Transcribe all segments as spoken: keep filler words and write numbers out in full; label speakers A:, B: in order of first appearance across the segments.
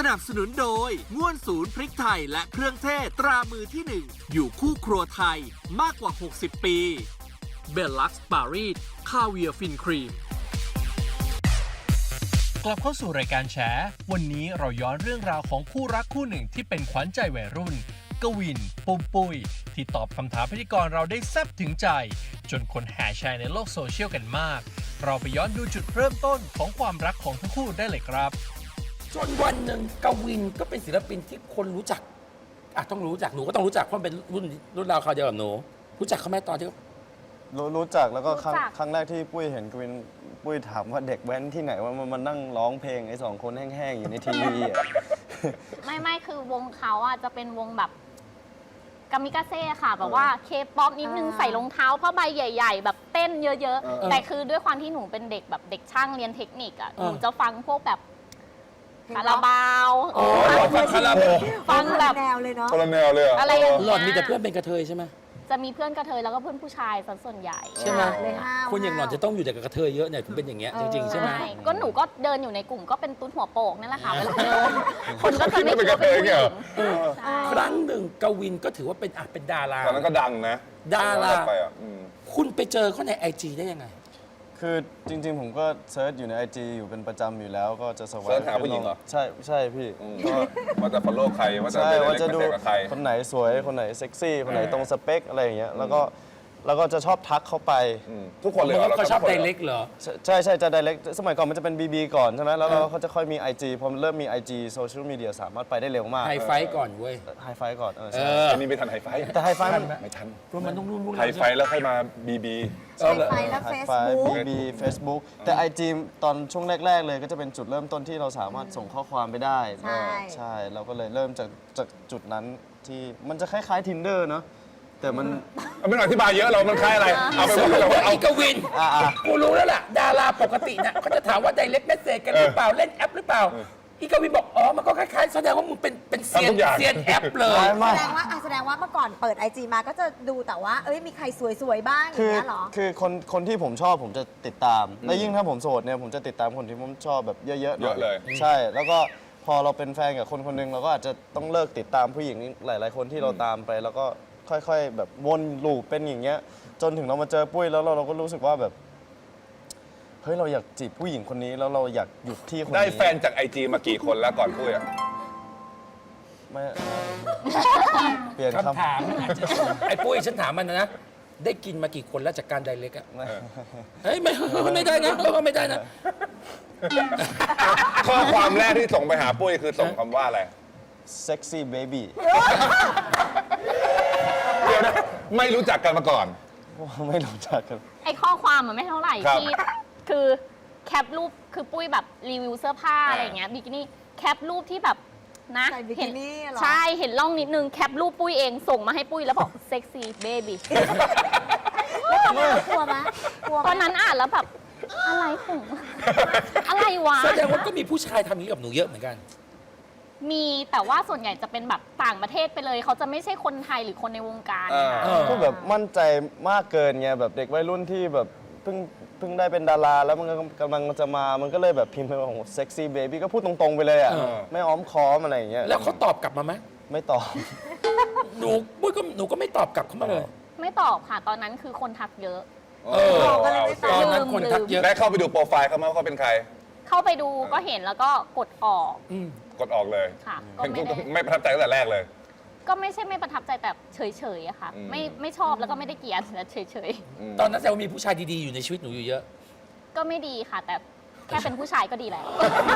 A: นับสนุนโดยง่วนศูนย์พริกไทยและเครื่องเทศตรามือที่หนึ่งอยู่คู่ครัวไทยมากกว่าหกสิบปีเบลลักซ์ปารีสคาเวียฟินครีมกลับเข้าสู่รายการแฉวันนี้เราย้อนเรื่องราวของคู่รักคู่หนึ่งที่เป็นขวัญใจวัยรุ่นกวินปุ้มปุ้ยที่ตอบคำถามพิธีกรเราได้แซ่บถึงใจจนคนแห่แชร์ในโลกโซเชียลกันมากเราไปย้อนดูจุดเริ่มต้นของความรักของทั้งคู่ได้เลยครับ
B: จนวันหนึ่งกวินก็เป็นศิลปินที่คนรู้จักอ่ะต้องรู้จักหนูก็ต้องรู้จักเพราะเป็นรุ่นรุ่นราวคราวเดียวกับหนูรู้จักเขาไหมตอนที่
C: รู้รู้จักแล้วก็ครั้ง
D: รู้จัก
C: ครั้งแรกที่ปุ้ยเห็นกวินปุ้ยถามว่าเด็กแว้นที่ไหนว่ามันมานั่งร้องเพลงไอ้สองคนแห้งๆอยู่ในทีวีอะ
D: ไม่ไม่คือวงเขาอ่ะจะเป็นวงแบบกามิกาเซ่ค่ะแบบว่าเคป๊อปนิดนึง
E: อ่า
D: ใส่รองเท้าผ้าใบใหญ่ ๆ แบบเต้นเยอะ
C: เออ
D: ๆ แต่คือด้วยความที่หนูเป็นเด็กแบบเด็กช่างเรียนเทคนิคอ่ะ
B: เออ
D: หนูจะฟังพวกแบบคาราบาว
B: โอ้ฟังคาราบาว
D: ฟังแบบ
E: แนวเลยเนาะ
F: คนละแนวเลยเหรอ
D: อะไรอย่าง
B: หล่อนมี
D: เงี้ย
B: แต่เพื่อนเป็นกระเทยใช่ไหม
D: จะมีเพื่อนกระเทยแล้วก็เพื่อนผู้ชายซะส่วนใหญ่
B: ใช่ไหม
E: เลยห้าว
B: คนอย่างหล่อนจะต้องอยู่แต่กับกระเทยเยอะเนี่ยถึงเป็นอย่างเงี้ยจริงๆใช่ไหม
D: ใช่ก็หนูก็เดินอยู่ในกลุ่มก็เป็นตุ้นหัวโปกนั่นแหละค่ะเวลาเดินคนก็จะไม่คิดว่าเป็นผู้หญิงใช่
B: ครั้งหนึ่งกวินก็ถือว่าเป็นอ่ะเป็นดารา
F: ตอนนั้นก็ดังนะ
B: ดารา
F: ไปอ่ะอืม
B: คุณไปเจอเขาในไอจีได้ยังไง
C: คือจริงๆ ผมก็เซิร์ชอยู่ใน ไอ จี อยู่เป็นประจำอยู่แล้วก็จะสว
F: เสิร์ชหาผู้หญิงเหรอ
C: ใช่ใช่พี่
F: อืมว่าจะ follow ใครว่าจะ
C: ใช่
F: ไปเล่น
C: ว่าจะดู
F: กับใคร
C: คนไหนสวยคนไหนเซ็กซี่ คนไหน
F: เออ
C: ตรงสเปคอะไรอย่างเงี้ยแล้วก็แล้วก็จะชอบทักเข้าไป
F: อืมทุกคนเลยเหรอ
B: เขาชอบ
F: ทุกคน
B: ได
F: ลยหร
B: เล็กเหรอ
C: ใช่ใช่จะ direct สมัยก่อนมันจะเป็น บี บี ก่อนใช่ไหมแล้วเรา
B: เออ
C: เขาจะค่อยมี ไอ จี พอมันเริ่มมี ไอ จี โซเชียลมีเดียสามารถไปได้เร็วมาก
B: ไฮไฟท์ก่อนเว้ย
C: ไฮไฟก่อนเออ
B: เอ
C: ใช่
B: อ
F: อันนี้ไม่ทันไฮไฟท์
C: แต่ไฮไฟมัน
F: ไม่ทัน
B: เพราะมันต้องรุ่นรุ่น
F: ไฮไฟท์แล้วค่อยมาบีบี
E: ใช้ไฟและ
C: ไฮ
E: เฟซ
C: ไฟ
E: บุ๊ก
C: บี บี เฟซบุ๊ก แต่ ไอ จี ตอนช่วงแรก ๆ เลยก็จะเป็นจุดเริ่มต้นที่เราสามารถส่งข้อความไปได้
E: ใช่
C: ใช่ เราก็เลยเริ่มจากจากจุดนั้นที่มันจะคล้ายๆ Tinder เนอะแต่มัน
F: ไม่ต้องอธิบายเยอะเรามันคล้ายอะไร เอาไป
B: ส
F: ว่า
B: รุป
F: เรา
B: ว่า
F: เอา
B: ไอ้กวิน
C: อ่า
B: กูรู้แล้วล่ะ ดาราปกติน่ะเขาจะถามว่าไดเล็กเมสเซจกันหรือเปล่า เล่นแอปหรือเปล่า อีกวินบอก อ๋อ มันก็คล้ายๆ แสดงว่ามึงเป็นเป็นเซียน
F: ทำทุกอย่าง
B: เซียนแอปเลย
C: ไม่
E: แสดงว่าอ่ะแสดงว่าเมื่อก่อนเปิดไอจีมาก็จะดูแต่ว่า เอ้ยมีใครสวยๆบ้างอ
C: คื
E: ย่าง
C: อ
E: เงี้ยเหรอ
C: คือคนคนที่ผมชอบผมจะติดตาม และยิ่งถ้าผมโสดเนี่ยผมจะติดตามคนที่ผมชอบแบบเยอะๆหน่
F: เยอะเลย
C: ใช่ แล้วก็พอเราเป็นแฟนกับคนคนหนึงเราก็อาจจะต้องเลิกติดตามผู้หญิงหลาย ๆ คนที่เราตามไป แล้วก็ค่อยๆ แบบวนลูปเป็นอย่างเงี้ย จนถึงเรามาเจอปุ้ยแล้วเราเราก็รู้สึกว่าแบบเฮ้ยเราอยากจีบผู้หญิงคนนี้แล้วเราอยากหยุดที่คนนี้
F: ได้แฟนจากไอจีมากี่คนแล้วก่อนพูดอ่ะ
C: ไม่เปลี่ยนคำ
B: คำถามอาจจะไอ้ปุ้ยฉันถามมันนะ ได้กินมากี่คนแล้วจากการไดเล็กอะ
C: ไม่
B: เฮ้ยไม่ไม่ได้นะไม่ได้นะ
F: ข้อความแรกที่ส่งไปหาปุ้ยคือส่งคำว่าอะไร
C: sexy baby
F: เดี๋ยวนะไม่รู้จักกันมาก่อน
C: ไม่รู้จักกัน
D: ไอข้อความมันไม่เท่าไหร่
F: ครับ
D: ที่คือแคปรูปคือปุ้ยแบบรีวิวเสื้อผ้า
F: อ่า
D: อะไรอย่างเงี้ยบิกินี่แคปรูปที่แบบนะ
E: ใส่บิกินี่เหรอ
D: ใช่เห็นร่องนิดนึงแคปรูปปุ้ยเองส่งมาให้ปุ้ยแล้วบอกเซ็กซี่เบบี้
E: แล้วตอนนั้นกลัวไหมกลัวไหม
D: ตอนนั้นอ่านแล้วแบบอะไรของอะไรวะ
B: แสดงว่าก็มีผู้ชายทำอย่างนี้กับหนูเยอะเหมือนกัน
D: มีแต่ว่าส่วนใหญ่จะเป็นแบบต่างประเทศไปเลย เขาจะไม่ใช่คนไทยหรือคนในวงการนะคะ
B: เออ
C: ก็แบบมั่นใจมากเกินไงแบบเด็กวัยรุ่นที่แบบเพิ่งเพิ่งได้เป็นดาราแล้วมันก็กำลังจะมา มันก็เลยแบบพิมพ์ไปว่าโอ้โหเซ็กซี่เบบี้ก็พูดตรงๆไปเลยอ่ะ
B: เออ
C: ไม่อ้อมค้อมอะไรอย่างเงี้ย
B: แล้วเขาตอบกลับมาไหม
C: ไม่ตอบ
B: หนูปุ้ยก็หนูก็ไม่ตอบกลับเขามาเลย
D: ไม่ตอบค่ะตอนนั้นคือคนทักเยอะ
B: เออ
E: ก็เลยไม่ต
B: ต
E: อ
B: อบ นนั้นคนทักเยอะ
F: ได้เข้าไปดูโปรไฟล์เขาไหมว่าเขาเป็นใคร
D: เข้าไปดูก็เห็นแล้วก็กดออก
B: อืม
F: กดออกเลย
D: ค่ะ ก็
F: เห็น
D: ไม่ได้
F: ไม่ประทับใจตั้งแต่แรกเลย
D: ก็ไม่ใช่ไม่ประทับใจแต่เฉยๆอะค่ะ
F: อืม
D: ไม่ไม่ชอบแล้วก็ไม่ได้เกลียดแต่เฉย
B: ตอนนั้นแสดงว่ามีผู้ชายดีๆอยู่ในชีวิตหนูอยู่เยอะ
D: ๆ ก็ไม่ดีค่ะ แต่แค่เป็นผู้ชายก็ดีแล้ว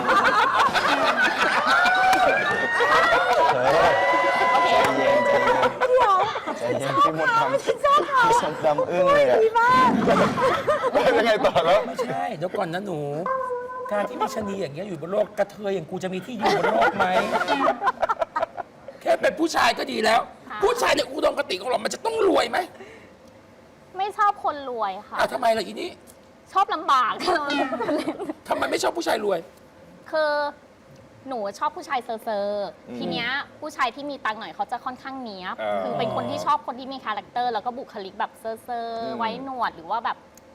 D: โอเค
C: ใจเย็นใจเย็นใจเย็นพี่มดทำพี่ชมดำอึ้งเลยอ่ะ
F: ยังไงต่อแล้ว
B: ไม่ใช่เดี๋ยวก่อนนะหนู การที่มีชะนีอย่างเงี้ยอยู่บนโลกกระเทยอย่างกูจะมีที่อยู่บนโลกไหม แค่เป็นผู้ชายก็ดีแล้ว
D: ค่ะ
B: ผู้ชายในอุดมคติของเรามันจะต้องรวยไหม
D: ไม่ชอบคนรวยค่ะ
B: อ้าวทำไมล่ะอีนี่
D: ชอบลำบาก
B: ทำไมไม่ชอบผู้ชายรวย
D: คือหนูชอบผู้ชายเซอร์เซอร์ทีเนี้ยผู้ชายที่มีตังค์หน่อยเขาจะค่อนข้างเนี้ยบ
F: อ่า
D: คือเป็นคนที่ชอบคนที่มีคาแรคเตอร์แล้วก็บุคลิกแบบเซอร์เซอร์ไว้หนวดหรือว่าแบบพ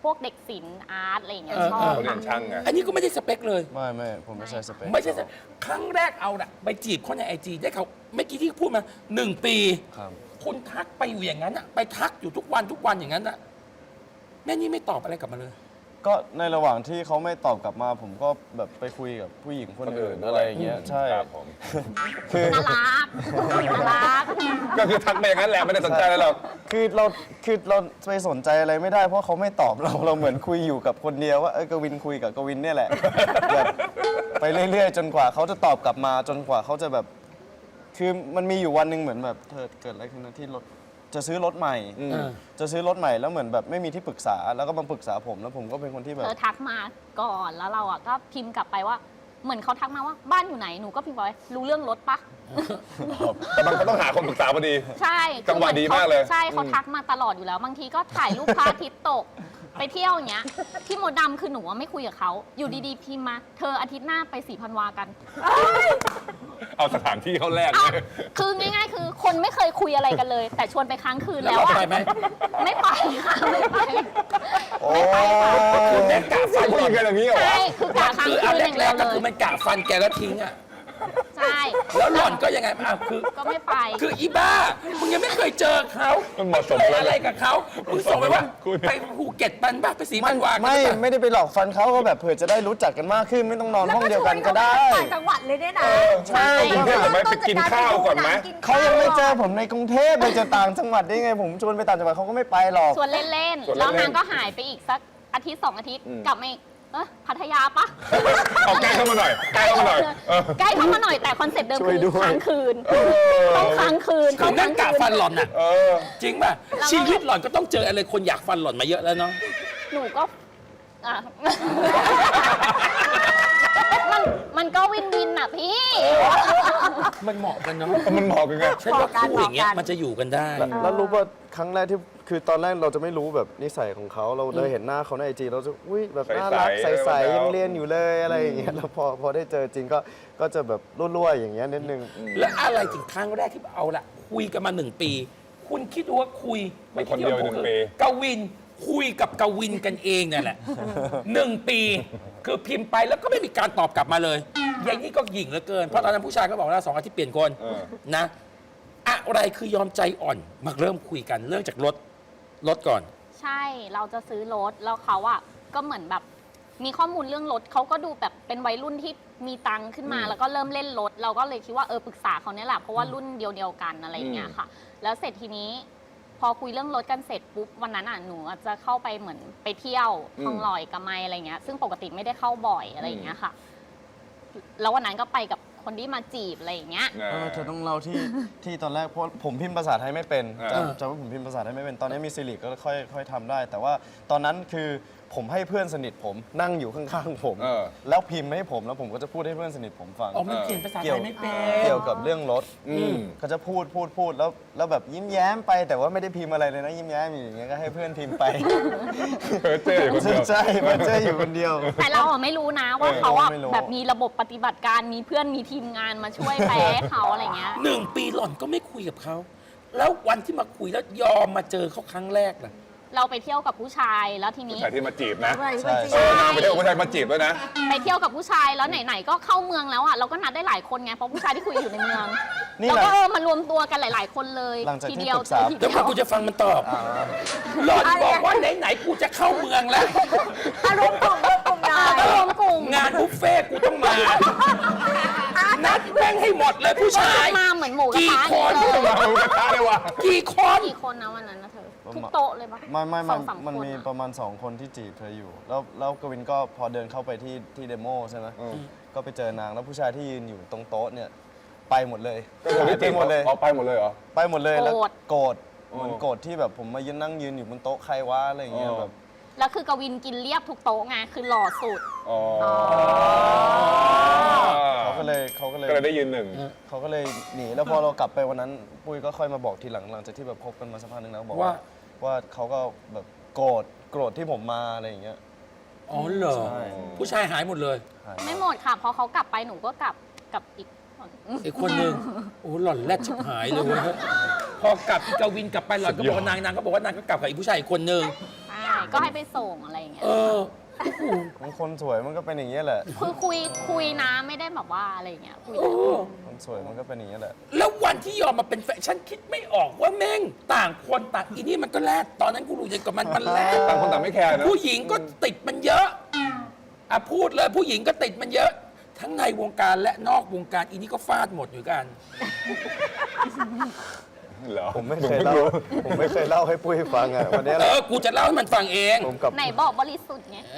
D: วกเด็กศิลป์อาร์ตอะไรอย่างเงี้ย
B: เออ
D: ชอบ
F: เขาเรีย
D: ค่ะ
F: นช่างไง
B: อันนี้ก็ไม่ได้สเปคเลย
C: ไม่ไม่ผมไม่ใช่สเปค
B: ไม่ใช่สเปคครั้งแรกเอาละไปจีบเขาในไอจีได้เขาเมื่อกี้ที่พูดมาหนึ่งปี
C: ครับ
B: คุณทักไปอยู่อย่างนั้นอะไปทักอยู่ทุกวันทุกวันอย่างนั้นอะแม่นี่ไม่ตอบอะไรกลับมาเลย
C: ก็ในระหว่างที่เขาไม่ตอบกลับมา ผมก็แบบไปคุยกับผู้หญิงคนอื่นอะไรอย่างเงี้ยใช่
F: ครับผม
C: คือ
D: น่ารักน่ารัก
F: ก็คือทักไปอย่างนั้นแหละไม่ได้สนใจอะไรหรอก
C: คือเราคือเราไปสนใจอะไรไม่ได้เพราะเขาไม่ตอบเราเราเหมือนคุยอยู่กับคนเดียวว่าเออกวินคุยกับกวินเนี่ยแหละแบบไปเรื่อยๆ จนกว่าเขาจะตอบกลับมาจนกว่าเขาจะแบบ คือมันมีอยู่วันหนึ่งเหมือนแบบเธอเกิดอะไรขึ้นนะที่รถจะซื้อรถใหม่
F: อืม
C: จะซื้อรถใหม่แล้วเหมือนแบบไม่มีที่ปรึกษาแล้วก็มาปรึกษาผมแล้วผมก็เป็นคนที่แบ
D: เธ
C: บ
D: อทักมาก่อนแล้วเราอ่ะก็พิมพ์กลับไปว่า เหมือนเขาทักมาว่าบ้านอยู่ไหนหนูก็พิมพ์ไปรู้เรื่องรถปะ
F: แต่มันก็ต้องหาคนปรึกษาพอดี
D: ใช่
F: จังหวะดีมากเลย
D: ใช่เขาทักมาตลอดอยู่แล้ว บางทีก็ถ่ายรูปพระอาทิตย์ตก ไปเที่ยวอย่างเงี้ยพี่มดดำคือหนูว่าไม่คุยกับเขาอยู่ดีๆพิมพ์มาเธออาทิตย์หน้าไปสีพันวากัน
F: เอาสถานที่เขาแรก
D: อ้าว
F: เลย
D: คือง่าย ๆ คือคนไม่เคยคุยอะไรกันเลย แต่ชวนไปค้างคืน
B: แล้
D: แล้ว ว
B: เรา
D: อะ
B: ไปไหม
D: ไม่ไปค่ะไม่ไป
C: โอ้
B: คือแม่กะฟัน
F: ผู้หญิงกันอย่างนี้เหรอ
D: ใช่คือกะค้าง
B: คือ
D: คื
B: อัน
D: นอย่าง
B: แร
D: เดีย
B: ก
D: ว
B: ๆก็
D: เล
B: คือย มันกะฟันแกแล้วทิ้งอะ
D: ใช่
B: แล้วหล่อนก็ยังไงอ่ะคือ
D: ก็ไม่ไป
B: คืออีบ้ามึงยังไม่เคยเจอเขา
F: มันเหมาะสม
B: เคย
F: แล้ว
B: อะไรกับเขามึงส่งไปว่า
F: คุณ
B: ไปภูเก็ตปันบ้าไปสี
C: ไม่
B: มันวากัน
C: ไม่
B: หรือเปล่า
C: ไม่ได้ไปหลอกฟันเขาก็แบบเผื่อจะได้รู้จักกันมากขึ้นไม่ต้องนอนห้องเดียวกันก็ได้
E: ต่างจังหวัดเลยเนี่ยนะ
C: ใช่
F: กรุงเทพหรือไม่ไปกินข้าวก่อนไหม
C: เขายังไม่เจอผมในกรุงเทพไปเจอต่างจังหวัดได้ไง ผมชวนไปต่างจังหวัดเขาก็ไม่ไปหรอก
D: ชวนเล่น
F: ชวน
D: ๆ
F: เล่นๆ
D: แล้วนางก็หายไปอีกสักอาทิตย์สองอาทิตย์
F: อืม
D: กลับมาอีกเออพัทยาปะ
F: เอาใกล้เข้ามาหน่อยใกล้เข้ามาหน่อยเออ
D: ใกล้เข้ามาหน่อยแต่คอนเซ็ปต์เดิม
C: ช่ว
D: คื
C: ย
D: อ
C: ด้วย
D: ค้างคืน
F: เออ
D: ต้องค้างคืน
B: คือนั่งกะฟันหล่อนน่ะ
F: เออ
B: จริงป่ะชีวิตหล่อนก็ต้องเจออะไรคนอยากฟันหล่อนมาเยอะแล้วเนาะ
D: หนูก็อ่ะ มันมันก็วินวินอ่ะพี่
B: มันเหมาะกันเนาะ
F: มันเหมาะกันไง
B: ฉันว่าคู่อย่างเงี้ยมันจะอยู่กันได้
C: แล้วแล้วรู้ว่าครั้งแรกที่คือตอนแรกเราจะไม่รู้แบบนิสัยของเขาเราได้เห็นหน้าเขาในไอจีเราจะอุ้ยแบบน่ารัก
F: ใสๆ
C: ใสๆ
F: แล้ว
C: ยังเรียนอยู่เลยอะไรอย่างเงี้ยแล้วพอพอได้เจอจริงก็ก็จะแบบรั่วๆอย่างเงี้ยนิดนึง
B: แล้วอะไรถึงครั้งแรกที่เอาละคุยกันมาหนึ่งปี คุณคิดดูว่าคุย
F: มันคนเดียว
B: ไม่
F: หนึ่ง
B: คิ
F: ปี
B: กวินคุยกับกวินกันเองเนี่ยแหละหนึ่งปี คือพิมพ์ไปแล้วก็ไม่มีการตอบกลับมาเลยอย่างนี้ก็หยิ่งเหลือเกินเพราะตอนนั้นผู้ชายก็บอกแล้วสองอาทิตย์เปลี่ยนคน
F: เออ
B: นะ อะไรคือยอมใจอ่อนมาเริ่มคุยกันเรื่องจากรถรถก่อน
D: ใช่เราจะซื้อรถแล้วเขาอ่ะก็เหมือนแบบมีข้อมูลเรื่องรถเขาก็ดูแบบเป็นวัยรุ่นที่มีตังค์ขึ้นมา
F: อืม
D: แล้วก็เริ่มเล่นรถเราก็เลยคิดว่าเออปรึกษาเขาเนี่ยแหละเพราะว่ารุ่นเดียวเดียวๆกันอะไรอย่างเงี้ยค่ะ แล้วเสร็จทีนี้ พอคุยเรื่องรถกันเสร็จปุ๊บวันนั้นอ่ะหนูอาจจะเข้าไปเหมือนไปเที่ยว
F: อืม
D: ทองหล่อยกับไมอะไรเงี้ยซึ่งปกติไม่ได้เข้าบ่อยอะไรอย่างเงี้ยค่ะ แล้ววันนั้นก็ไปกับคนที่มาจีบอะไรอย่างเงี้ย
C: เออเธอต้องเล่าที่ ที่ตอนแรกเพราะผมพิมพ์ภาษาไทยไม่เป็น
F: เออ
C: จำจำว่าผมพิมพ์ภาษาไทยไม่เป็นตอนนี้มีซิลิก็ค่อยค่อยทำได้ แต่ว่าตอนนั้นคือผมให้เพื่อนสนิทผมนั่งอยู่ข้างๆผม
F: เออ
C: แล้วพิมพ์ให้ผมแล้วผมก็จะพูดให้เพื่อนสนิทผมฟัง
B: อ๋อมันเขียนภาษาไทยไม่เป็น
C: เกี่ยวกับเรื่องรถ
F: อืม
C: ก็จะพูดพูดพูดแล้วแล้วแบบยิ้มแย้มไปแต่ว่าไม่ได้พิมพ์อะไรเลยนะยิ้มแย้มอยู่อย่างเงี้ยก็ให้เพื่อนพิมพ์ไป
F: เออเจ๊อยู่คนเดียว
C: ใช่มันเจออยู่คนเดียว
D: แต่เราอะไม่รู้นะว่าเขาอะ
C: ไม่รู้
D: แบบมีระบบปฏิบัติการมีเพื่อนมีทีมงานมาช่วยแปลให้เขาอะไรเงี้ย
B: หนึ่งปีหล่อนก็ไม่คุยกับเขา แล้ววันที่มาคุยแล้วยอมมาเจอเขาครั้งแรกล่ะ
D: เราไปเที่ยวกับผู้ชายแล้วทีนี้
F: ผู้ชายที่มาจีบนะ
C: ใช่
F: เออไปเที่ยวกับผู้ชายมาจีบด้วยนะ
D: ไปเที่ยวกับผู้ชายแล้วไหนๆก็เข้าเมืองแล้วอ่ะเราก็นัดได้หลายคนไงเพราะผู้ชายที่คุยอยู่ในเมือง
C: นี่
D: เรา
C: แหละ
D: ก็เออมารวมตัวกันหลาย ๆ คนเลย
C: หลังจากที่
D: ทีเดียว
C: ปรึกษา
D: ที
B: เดี๋
D: เดี
B: ยว
D: ยว
B: ก่อนกูจะฟังมันตอบ
C: อ่า
B: หล่อนบอกว่าไหนๆกูจะเข้าเมืองแล้ว
E: อารมณ์กลุ่มรวมกลุ่มหน่อ
D: ก็
E: ย
D: รวมกลุ่ม
B: งานบุฟเฟ่ต์กูต้องมา นัดแม่งให้หมดเลยผู้ชาย
D: มาเหมือนหมูกระ
B: กี่
D: ทะ
B: คน
D: เลย
F: มาหมูกระทะเลยว่ะ
B: กี่คน
D: กี่คนนะวันนั้นนะเธอทุกโต๊ะเลยปะ
C: ไม่ไม่
D: ส
C: มั
D: อน งสาม
C: มัน
D: คน
C: มี
D: อะ
C: ประมาณ 2 คนที่จีบเธออยู่ แล้วแล้วกวินก็พอเดินเข้าไปที่ที่เดโมใช่ไหม
F: อืม
C: ก็ไปเจอนางแล้วผู้ชายที่ยืนอยู่ตรงโต๊ะเนี่ยไปหมดเลย
F: ก็คนที่
C: ไป
F: จีบ
C: หมดเลย
F: อ๋อไปหมดเลยเหรอ
C: ไปหมดเลยแล้วโกรธ
F: โอ้
C: เหมือนโกรธที่แบบผมมายืนนั่งยืนอยู่บนโต๊ะใครวะอะไรอย่างเงี้ย
F: อ๋อ
C: แบบ
D: แล้วคือกวินกินเรียบทุกโต๊ะไงคือหล่อสุด
F: อ๋อ
C: เขาก็เลยเขาก็เลย
F: ก็เลยได้ยืนหนึ่ง
C: เขาก็เลยหนีแล้วพอเรากลับไปวันนั้นปุ้ยก็ค่อยมาบอกทีหลังหลังจากที่แบบคบกันมาสักพักหนึงนะบอก
B: ว่า
C: ว่าว่าเขาก็แบบโกรธโกรธที่ผมมาอะไรอย่างเงี้ย
B: อ๋อเหรอ
C: ใช่
B: ผู้ชายหายหมดเลย
C: หาย
D: ไม่หมดค่ะพอเขากลับไปหนูก็กลับกับอีกคน
B: อีกคนหนึ่งโอ้หล่อนแรดชิบหายเลยเว้ยพอกลับอีกวินกลับไปหล่อนก็บอกว่านางนางก็บอกว่านางก็กลับกับอีกผู้ชายอีกคนหนึ่ง
D: ใช่ก็ให้ไปส่งอะไรอย่างเงี้ย
B: เออ
C: มันคนสวยมันก็เป็นอย่างนี้ยแหละ
D: คือคุยคุยนะไม่ได้แบบว่าอะไรอย่างเงี้ยคุย
B: โอ้
C: คนสวยมันก็เป็นอย่างนี้ยแหละ
B: แล้ววันที่ยอมมาเป็นแฟนฉันคิดไม่ออกว่าแม่งต่างคนต่างอีนี่มันก็แลดตอนนั้นกูรู้ยังกับมันมันแลด
F: ต่างคนต่างไม่แคร์นะ
B: ผู้หญิงก็ติดมันเยอะอ่ะพูดเลยผู้หญิงก็ติดมันเยอะ ทั้งในวงการและนอกวงการอีนี่ก็ฟาดหมดอยู่กัน
F: เหรอ
C: ผมไม่เคยเล่า ผมไม่เคยเล่าให้ปุ้ยฟังอ่ะวันนี้แห
B: เอ
C: ละ
B: อ กูจะเล่าให้มันฟังเอง
C: ผมกับ
D: ไหนบอกบริสุทธิ์ไง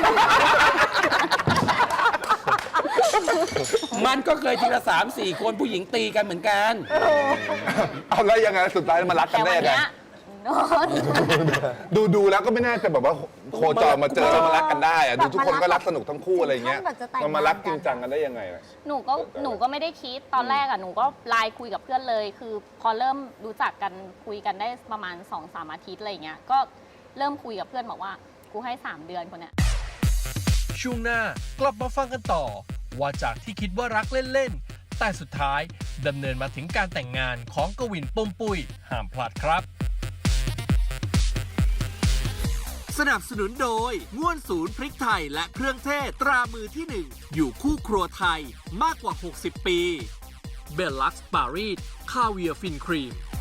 B: มันก็เคยทีละสามสี่คนผู้หญิงตีกันเหมือนกัน
F: เอาแล้วยังไงสุดท้ายมารักกั
D: แต่
F: นได้
D: วัน
F: ยังไง
D: เนี้ยโดน
F: ดูดูแล้วก็ไม่น่าจะแบบว่าโคจรมาเจอแล้วมารักกันได้อะดูทุกคนก็รักสนุกทั้งคู่อะไรเงี้ย
E: ถึงขั้นแบบจะแต่งงาน
F: มันมารักจริงจังกันได้ยังไงอะ
D: หนูก็หนูก็ไม่ได้คิดตอนแรกอะหนูก็ไลน์คุยกับเพื่อนเลย คือพอเริ่มรู้จักกันคุยกันได้ประมาณสองสามอาทิตย์อะไรเงี้ยก็เริ่มคุยกับเพื่อนบอกว่ากูให้สามเดือนคนเนี้ย
A: ช่วงหน้ากลับมาฟังกันต่อ ว่าจากที่คิดว่ารักเล่น ๆ แต่สุดท้ายดำเนินมาถึงการแต่งงานของกวินปุ้มปุ้ยห้ามพลาดครับ สนับสนุนโดยง่วนศูนย์พริกไทยและเครื่องเทศตรามือที่หนึ่งอยู่คู่ครัวไทยมากกว่า หกสิบ ปีเบลลักซ์ปารีสคาเวียร์ฟินครีม